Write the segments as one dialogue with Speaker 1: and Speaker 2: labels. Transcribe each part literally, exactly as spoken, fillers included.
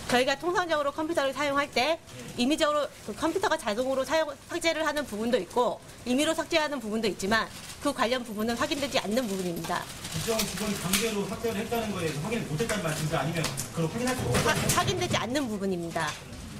Speaker 1: 저희가 통상적으로 컴퓨터를 사용할 때 임의적으로 그 컴퓨터가 자동으로 사용, 삭제를 하는 부분도 있고 임의로 삭제하는 부분도 있지만 그 관련 부분은 확인되지 않는 부분입니다.
Speaker 2: 국정 직원이 강제로 삭제를 했다는 거에 대해서 확인을 못했다는 말씀인지 아니면 그걸 확인할 수 없다는 말씀인지?
Speaker 1: 확인되지 않는 부분입니다.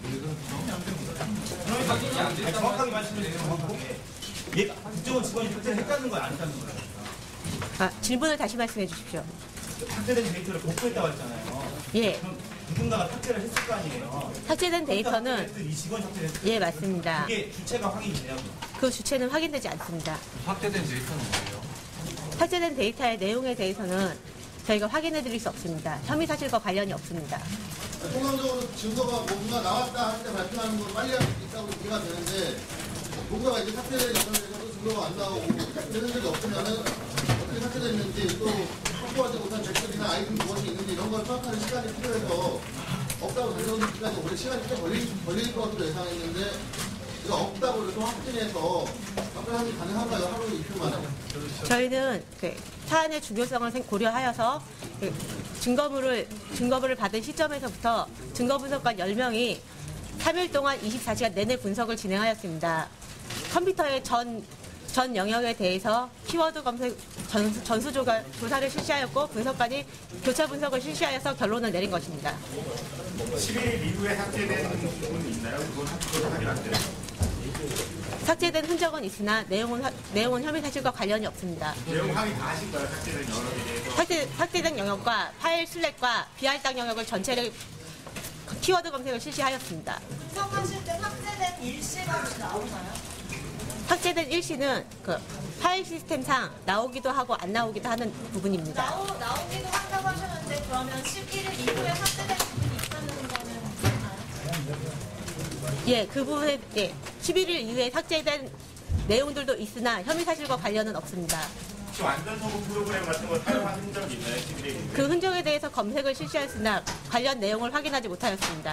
Speaker 2: 확인이 안 됐다는 정확하게 말씀해 주세요. 정확하게. 예, 국정원 직원이 삭제를 했다는 거예요? 안 했다는 거예요?
Speaker 1: 아, 질문을 다시 말씀해 주십시오.
Speaker 2: 삭제된 데이터를 복구했다고 했잖아요.
Speaker 1: 예.
Speaker 2: 그럼 누군가가 삭제를 했을 거 아니에요?
Speaker 1: 삭제된 데이터는
Speaker 2: 이 직원 삭제를 했을
Speaker 1: 예, 맞습니다.
Speaker 2: 그게 주체가 확인이 돼요?
Speaker 1: 그 주체는 확인되지 않습니다.
Speaker 3: 확대된 데이터는 뭐예요?
Speaker 1: 삭제된 데이터의 내용에 대해서는 저희가 확인해 드릴 수 없습니다. 혐의 사실과 관련이 없습니다.
Speaker 4: 통상적으로 증거가 뭔가 나왔다 할 때 발표하는 건 빨리 할 수 있다고 이해가 되는데 뭔가가 이제 삭제된 여건에서도 증거가 안 나오고 되는 적이 없으면은 어떻게 삭제됐는지 또 확보하지 못한 댓글이나 아이템 무엇이 있는지 이런 걸 파악하는 시간이 필요해서 없다고 생각하기까지 오래 시간이 꽤 걸릴, 걸릴 것으로 예상했는데 이거 없다고 이렇게 확진해서 답변이 가능한가요? 하루 이틀만에?
Speaker 1: 저희는 그 사안의 중요성을 고려하여서 그 증거물을 증거물을 받은 시점에서부터 증거 분석관 열 명이 삼 일 동안 이십사 시간 내내 분석을 진행하였습니다. 컴퓨터의 전, 전 영역에 대해서 키워드 검색 전수, 전수 조가, 조사를 실시하였고 분석관이 교차 분석을 실시하여서 결론을 내린 것입니다.
Speaker 5: 십일 일 이후에 삭제된 부분이 있나요? 그건 학교도 확인 안 돼요?
Speaker 1: 삭제된 흔적은 있으나 내용은, 하, 내용은 혐의 사실과 관련이 없습니다.
Speaker 5: 내용 확인 다 하신 거예요? 삭제된 영역에 대해서?
Speaker 1: 삭제, 삭제된 영역과 파일 슬랙과 비할당 영역을 전체를 키워드 검색을 실시하였습니다.
Speaker 6: 분석하실 때 삭제된 일시가 혹시 나오나요?
Speaker 1: 삭제된 일시는 그 파일 시스템상 나오기도 하고 안 나오기도 하는 부분입니다.
Speaker 6: 나오, 나오기도 한다고 하셨는데 그러면 십일 일 이후에 삭제된 부분이 있다는 거는 맞나요?
Speaker 1: 예, 그 부분에 예, 십일 일 이후에 삭제된 내용들도 있으나 혐의 사실과 관련은 없습니다.
Speaker 5: 혹시 완전 소금 프로그램 같은 거 사용한 흔적이 있나요? 십일 일 이후에?
Speaker 1: 그 흔적에 대해서 검색을 실시하였으나 관련 내용을 확인하지 못하였습니다.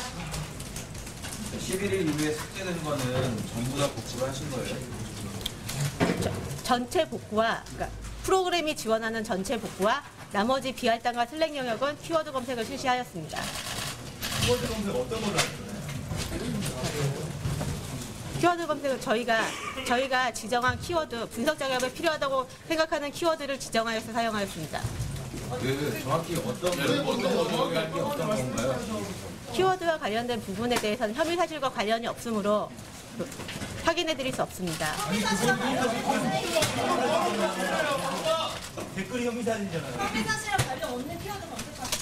Speaker 3: 십일 일 이후에 삭제된 거는 전부 다 복구를 하신 거예요?
Speaker 1: 저, 전체 복구와 그러니까 프로그램이 지원하는 전체 복구와 나머지 비할당과 슬랙 영역은 키워드 검색을 실시하였습니다.
Speaker 2: 키워드 검색 어떤 걸로 하셨나요?
Speaker 1: 키워드 검색은 저희가 저희가 지정한 키워드 분석 작업에 필요하다고 생각하는 키워드를 지정하여서 사용하였습니다.
Speaker 3: 그 정확히 어떤 어떤 게 어떤 건가요?
Speaker 1: 키워드와 관련된 부분에 대해서는 혐의 사실과 관련이 없으므로 확인해 드릴 수 없습니다.
Speaker 2: 댓글이 혐의 사실이잖아요.
Speaker 6: 혐의 사실과 관련 없는 키워드 검색하셨어요?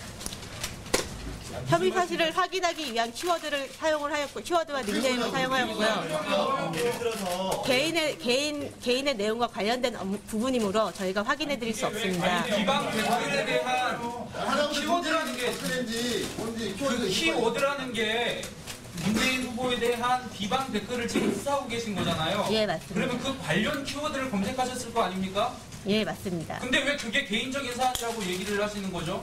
Speaker 1: 혐의 사실을 확인하기 위한 키워드를 사용을 하였고 키워드와 닉네임을 사용하였고요.
Speaker 2: 예를 들어서
Speaker 1: 개인의 개인 개인의 내용과 관련된 업무- 부분이므로 저희가 확인해 드릴 수 없습니다.
Speaker 7: 비방 댓글에 대한 키워드라는 게
Speaker 4: 삭제된지 뭔지
Speaker 7: 그
Speaker 4: 키워드
Speaker 7: 키워드라는 게 문재인 후보에 대한 비방 댓글을 지금 수사하고 계신 거잖아요.
Speaker 1: 예, 맞습니다.
Speaker 7: 그러면 그 관련 키워드를 검색하셨을 거 아닙니까?
Speaker 1: 예, 맞습니다.
Speaker 7: 근데 왜 그게 개인적인 사안이라고 얘기를 하시는 거죠?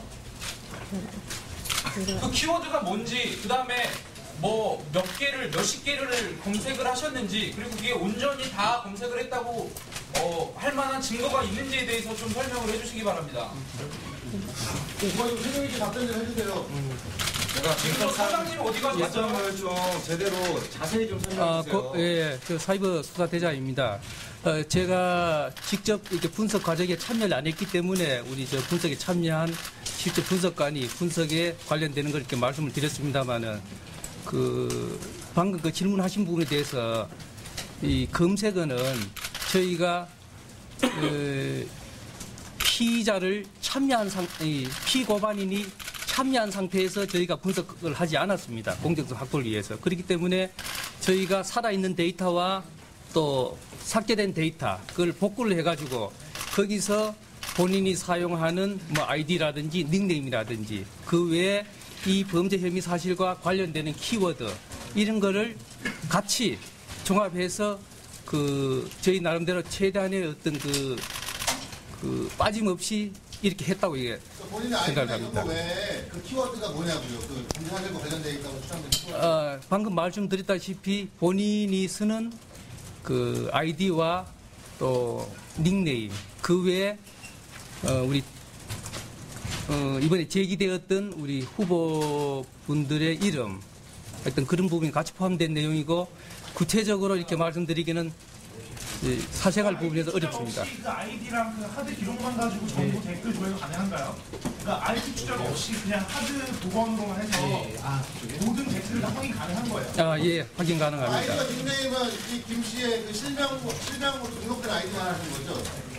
Speaker 7: 그 키워드가 뭔지, 그 다음에 뭐 몇 개를, 몇십 개를 검색을 하셨는지, 그리고 그게 온전히 다 검색을 했다고 어, 할 만한 증거가 있는지에 대해서 좀 설명을 해주시기 바랍니다.
Speaker 4: 이거 좀 설명 있게 답변 좀 해주세요.
Speaker 3: 제가
Speaker 7: 지금 사장님 어디 가셨어요?
Speaker 3: 일정을 좀 제대로 자세히 좀 설명해
Speaker 8: 아,
Speaker 3: 주세요.
Speaker 8: 그, 예, 그 사이버 수사대장입니다. 어, 제가 직접 이렇게 분석 과정에 참여를 안 했기 때문에 우리 저 분석에 참여한 실제 분석관이 분석에 관련되는 걸 이렇게 말씀을 드렸습니다만은 그 방금 그 질문하신 부분에 대해서 이 검색어는 저희가 그 피의자를 참여한 상, 이 피고반인이 참여한 상태에서 저희가 분석을 하지 않았습니다. 공정성 확보를 위해서. 그렇기 때문에 저희가 살아있는 데이터와 또 삭제된 데이터, 그걸 복구를 해가지고 거기서 본인이 사용하는 뭐 아이디라든지 닉네임이라든지 그 외에 이 범죄 혐의 사실과 관련되는 키워드 이런 거를 같이 종합해서 그 저희 나름대로 최대한의 어떤 그, 그 빠짐없이 이렇게 했다고 이게
Speaker 4: 본인의
Speaker 8: 생각을
Speaker 4: 아이디나 이런
Speaker 8: 합니다.
Speaker 4: 거 외에 그 키워드가 뭐냐고요? 그 검색하는 거 관련되어 있다고 추천된 키워드.
Speaker 8: 어, 방금 말씀드렸다시피 본인이 쓰는 그 아이디와 또 닉네임 그 외에 어, 우리 어, 이번에 제기되었던 우리 후보분들의 이름, 어떤 그런 부분이 같이 포함된 내용이고 구체적으로 이렇게 말씀드리기는 예, 사생활 부분에서 어렵습니다.
Speaker 9: 혹시 그 아이디랑 그 하드 기록만 가지고 전부 댓글 조회가 가능한가요? 그러니까 아이디 추적 없이 그냥 하드 복원으로만 해서 모든 댓글을 다 확인 가능한 거예요.
Speaker 8: 아, 예, 확인 가능합니다.
Speaker 4: 아이디와 닉네임은 이 김 씨의 그 실명, 실명으로 등록된 아이디만 하는 거죠?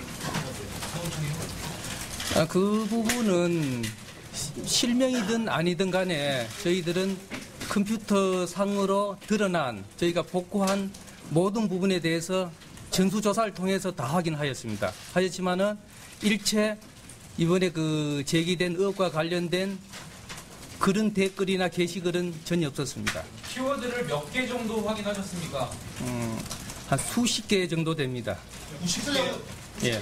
Speaker 8: 아, 그 부분은 시- 실명이든 아니든 간에 저희들은 컴퓨터 상으로 드러난 저희가 복구한 모든 부분에 대해서 전수조사를 통해서 다 확인하였습니다. 하였지만은 일체 이번에 그 제기된 의혹과 관련된 그런 댓글이나 게시글은 전혀 없었습니다.
Speaker 7: 키워드를 몇 개 정도 확인하셨습니까?
Speaker 8: 음, 한 수십 개 정도 됩니다.
Speaker 4: 구십 개요?
Speaker 8: 예,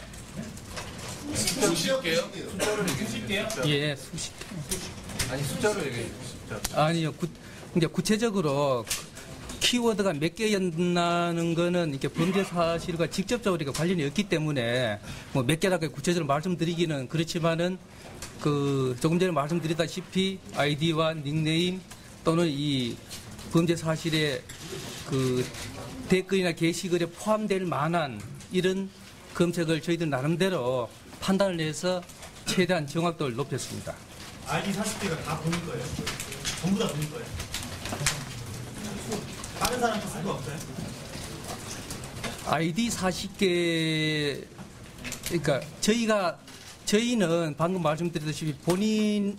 Speaker 4: 구십 개요?
Speaker 2: 구십 개요?
Speaker 8: 예, 수십 개.
Speaker 3: 아니 숫자로 얘기해 주세요.
Speaker 8: 아니요. 구, 이제 구체적으로 키워드가 몇 개였나는 거는 이렇게 범죄 사실과 직접적으로 이렇게 관련이 없기 때문에 뭐 몇 개라고 구체적으로 말씀드리기는 그렇지만은 그 조금 전에 말씀드렸다시피 아이디와 닉네임 또는 이 범죄 사실의 그 댓글이나 게시글에 포함될 만한 이런 검색을 저희들 나름대로 판단을 해서 최대한 정확도를 높였습니다.
Speaker 2: 아이디 사십 개가 다 본인 거예요? 전부 다 본인 거예요? 다른 사람한테 쓴 거 없어요?
Speaker 8: 아이디 사십 개, 그러니까 저희가, 저희는 방금 말씀드렸다시피 본인을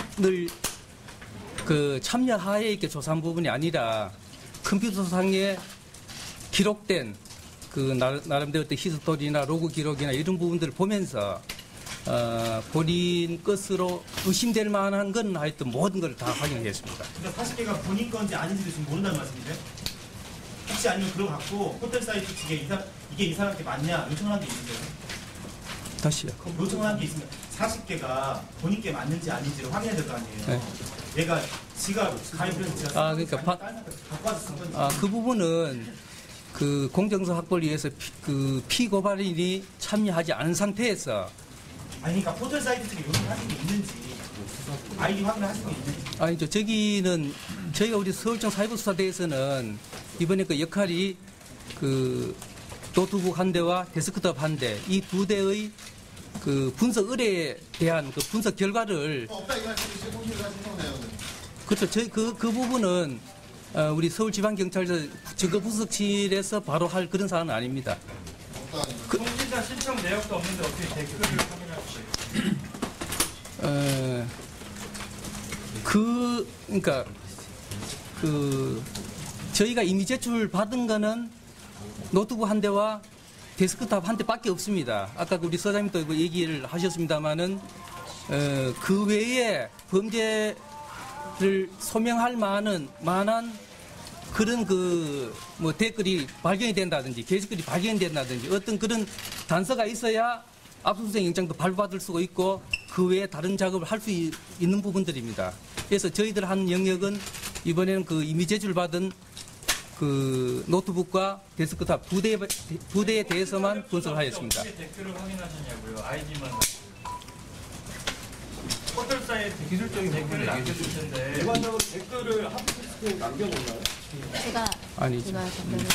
Speaker 8: 그 참여하에 이렇게 조사한 부분이 아니라 컴퓨터상에 기록된 그 나- 나름대로 어떤 히스토리나 로그 기록이나 이런 부분들을 보면서 어, 본인 것으로 의심될 만한 건 하여튼 모든 걸 다 확인했습니다.
Speaker 2: 그러니까 사십 개가 본인 건지 아닌지도 지금 모른다는 말씀이세요? 혹시 아니면 그거 갖고 호텔 사이트 측에 이 사, 이게 이 사람한테 맞냐 요청을 한 게 있으세요?
Speaker 8: 다시요.
Speaker 2: 요청을 한 게 있으면 사십 개가 본인께 맞는지 아닌지를 확인해야 될 거 아니에요?
Speaker 8: 네.
Speaker 2: 얘가 지가 가입을 해서 지가
Speaker 8: 아, 그러니까 바-
Speaker 2: 갖고 와서 쓴 건지
Speaker 8: 아, 그 부분은 그 공정성 확보를 위해서 피, 그 피고발인이 참여하지 않은 상태에서
Speaker 2: 아니 그러니까 포털 사이트 측에 요청하신 게 있는지 아이디 확인을 하신 게 있는지
Speaker 8: 아니죠. 저기는 저희가 우리 서울청 사이버수사대에서는 이번에 그 역할이 그 노트북 한 대와 데스크톱 한 대 이 두 대의 그 분석 의뢰에 대한 그 분석 결과를
Speaker 4: 없다 이 말씀이시죠? 공시를 하신 거네요.
Speaker 8: 그렇죠. 저희 그, 그 부분은 어, 우리 서울지방경찰서 증거분석실에서 바로 할 그런 사안은 아닙니다.
Speaker 4: 없다.
Speaker 9: 통신사 신청 내역도 없는데 어떻게 댓글을 확인하시죠?
Speaker 8: 어, 그, 그러니까, 그, 저희가 이미 제출 받은 거는 노트북 한 대와 데스크탑 한 대밖에 없습니다. 아까 우리 서장님도 그 얘기를 하셨습니다만은, 어, 그 외에 범죄를 소명할 만한, 만한 그런 그, 뭐 댓글이 발견이 된다든지, 게시글이 발견이 된다든지, 어떤 그런 단서가 있어야 압수수색 영장도 발부받을 수가 있고 그 외에 다른 작업을 할 수 있는 부분들입니다. 그래서 저희들 한 영역은 이번에는 그 이미 제출받은 그 노트북과 데스크탑 두 대, 두 대에 대해서만 분석을 하였습니다.
Speaker 9: 어떻게 댓글을 확인하셨냐고요? 아이디만. 포털 사이트 기술적인 댓글을 남겨줄 텐데.
Speaker 3: 일반적으로 댓글을 하드디스크에 남겨놓나요?
Speaker 1: 제가
Speaker 8: 아니죠.
Speaker 1: 제가 답변을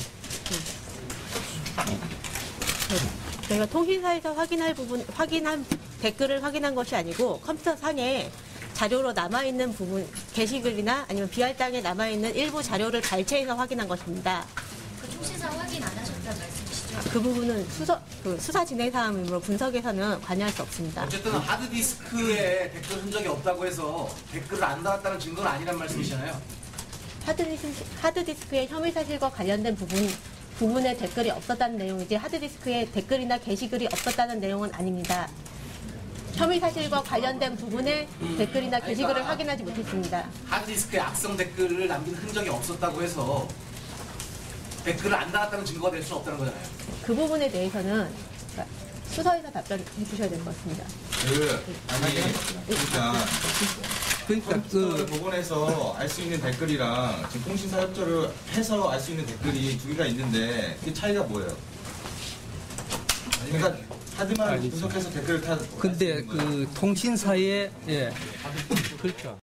Speaker 1: 저희가 통신사에서 확인할 부분, 확인한 댓글을 확인한 것이 아니고 컴퓨터 상에 자료로 남아있는 부분, 게시글이나 아니면 비할당에 남아있는 일부 자료를 발췌해서 확인한 것입니다.
Speaker 6: 그 통신사 확인 안 하셨다는 말씀이시죠?
Speaker 1: 그 부분은 수사, 그 수사 진행 사항이므로 분석에서는 관여할 수 없습니다.
Speaker 10: 어쨌든 하드디스크에 댓글 흔적이 없다고 해서 댓글을 안 달았다는 증거는 아니란 말씀이잖아요.
Speaker 1: 하드디스크, 하드디스크의 혐의 사실과 관련된 부분, 부분에 댓글이 없었다는 내용이지 하드디스크에 댓글이나 게시글이 없었다는 내용은 아닙니다. 혐의 사실과 관련된 부분에 댓글이나 게시글을 확인하지 못했습니다.
Speaker 10: 하드디스크에 악성 댓글을 남긴 흔적이 없었다고 해서 댓글을 안 달았다는 증거가 될 수 없다는 거잖아요.
Speaker 1: 그 부분에 대해서는 수서에서 답변해 주셔야 될 것 같습니다.
Speaker 3: 그 아니 그러니까
Speaker 8: 그러니까
Speaker 3: 컴퓨터를
Speaker 8: 그
Speaker 3: 복원해서 알 수 있는 댓글이랑 지금 통신사 협조를 해서 알 수 있는 댓글이 두 개가 있는데 그 차이가 뭐예요? 그러니까 하드만
Speaker 8: 아니죠.
Speaker 3: 분석해서 댓글을 타.
Speaker 8: 근데 그 통신사에 예 그렇죠.